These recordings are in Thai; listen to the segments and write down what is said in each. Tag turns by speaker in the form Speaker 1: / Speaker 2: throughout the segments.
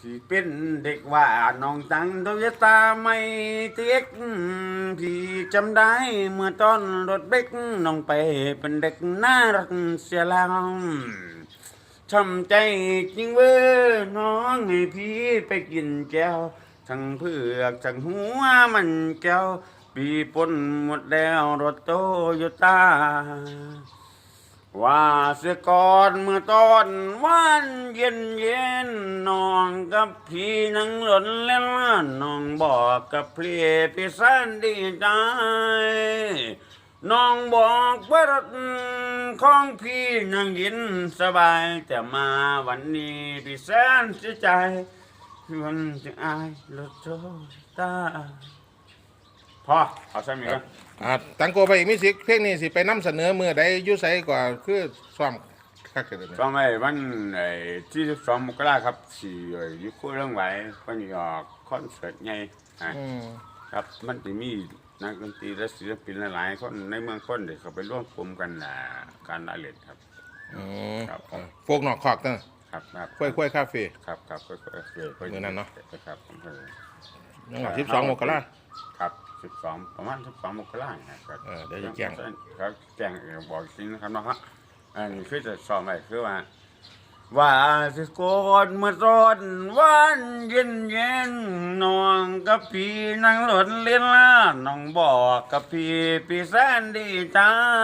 Speaker 1: พี่เป็นเด็กว่าน้องตังโตโยต้าไม่เต็กพี่จำได้เมื่อตอนรถเบรกน้องไปเป็นเด็กน่ารักเสียแล้วช้ำใจจริงเว้อน้องให้พี่ไปกินแก้วทั้งเผือกทั้งหัวมันแก้วปีปนหมดแล้วรถโตโยต้าว่าเสียก่อนเมื่อตอนวันเย็นเย็นน้องกับพี่นั่งหล่นเล่นน้องบอกกับพี่สันดีใจน้องบอกว่ารถของพี่นั่งยินสบายแต่มาวันนี้พี่แสนเสียใจมันจะอายรถโตตาพอเอาใช่ไหมครับ
Speaker 2: ตังโกไปอีกมิสิกเพลงนี้สิไปนํเสนอมือใดอยู่ไสกว่าคือซ้อมคักเด้อ
Speaker 1: ก็ไม่วันที่12 มกราครับสี่ยุคเรื่องไหววันนี้ออกคอนเสิร์ตใหญ่ครับมันจะมีนักดนตรีและศิลปินหลายๆคนในเมืองคนเด็กเขาไปร่วมกลุ่มกันการละเล่นครับ
Speaker 2: ครับโฟกนอกคอกเด้อ
Speaker 1: ครับครับ
Speaker 2: ค่อยๆคาเฟ่
Speaker 1: ครับครับค่อย
Speaker 2: มื้อนั้นเนาะ
Speaker 1: ครับ
Speaker 2: จังหวัด12 มกรา
Speaker 1: ครับ12ประมาณ12 มกราครับ
Speaker 2: เดี๋ยวจะแจ้ง
Speaker 1: ครับแจ้งบอกจริงนะครับเนาะฮะอันนี้คือจะสอบใหม่คือว่าสิโกนเมื่อตอนวันเย็นเย็นน้องกับพี่นั่งหล่นเล่นล่าน้องบอกกับพี่แสนดีใจ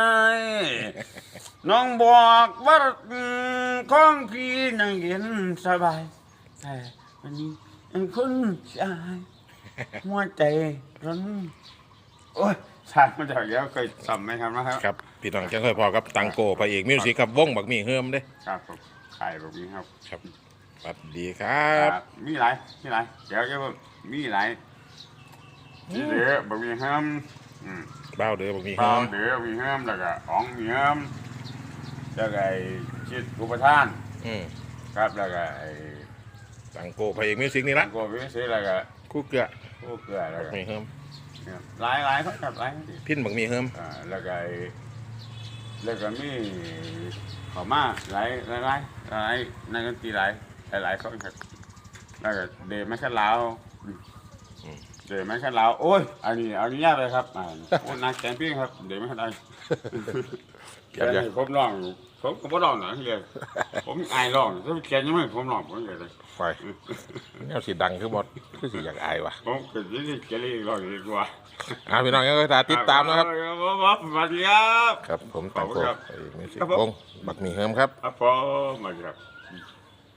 Speaker 1: น้องบอกว่าของพี่นั่งเย็นสบายแต่วันนี้เป็นคนชายหัวใจร้อนโอ้ยชายมาจากเยอะเคยสัมไหมครับนะครับ
Speaker 2: ครับพี่น้องจังค่อยพอกับตังโกพระเอกมิวสิกครับวงบักหมี่เฮิมเด้
Speaker 1: ครับผมขายแบบนี้ครับ
Speaker 2: ครับสวัสดีครับ
Speaker 1: มีหลายเดี๋ยวจะมีหลายเดี๋ยวบักมีเฮิม
Speaker 2: บ้าวเด้อบักหมี่เฮิ
Speaker 1: บ้าม เดี๋ยวมีเฮิมแล้วก็อ๋องมีเฮิมแล้วก็ชิดอุปทานครับแล้วก็
Speaker 2: ตังโกพระเอกมิวสิกนี่ละ
Speaker 1: โกวิเศษแล้วก็
Speaker 2: คู่เกลือ
Speaker 1: แล้วก็
Speaker 2: บักหมี่เฮิม
Speaker 1: หลายครับหลาย
Speaker 2: พินบักหมี่เฮิม
Speaker 1: แล้วก็มีเขามาหลายนักดนตรีหลายคนครับแล้วก็เดย์ไม่ใช่ลาวเดย์ไม่ใช่ลาวโอ้ยอันนี้เอายากเลยครับโอ้นักแข่งพี่ครับเดย์ไม่ใช่ได้แค่นี้ผมร้องผมก็บ่ร้องหน่อยเลยผมอายร้องถ้าแข่งยังไม่ผมร้องผมเลย
Speaker 2: ไฟแนวสีดังคือหมดคือสีอยากอายวะ
Speaker 1: ผมเกิดยี่สิบเกลีร้องดีกว่า
Speaker 2: พี่น้องยังก็ติดตามนะครับ
Speaker 1: สวัสดีครับ
Speaker 2: ครับผมตังโกมิวสิกวงบักหมี่เฮิมครับ
Speaker 1: ครับผมมาครับ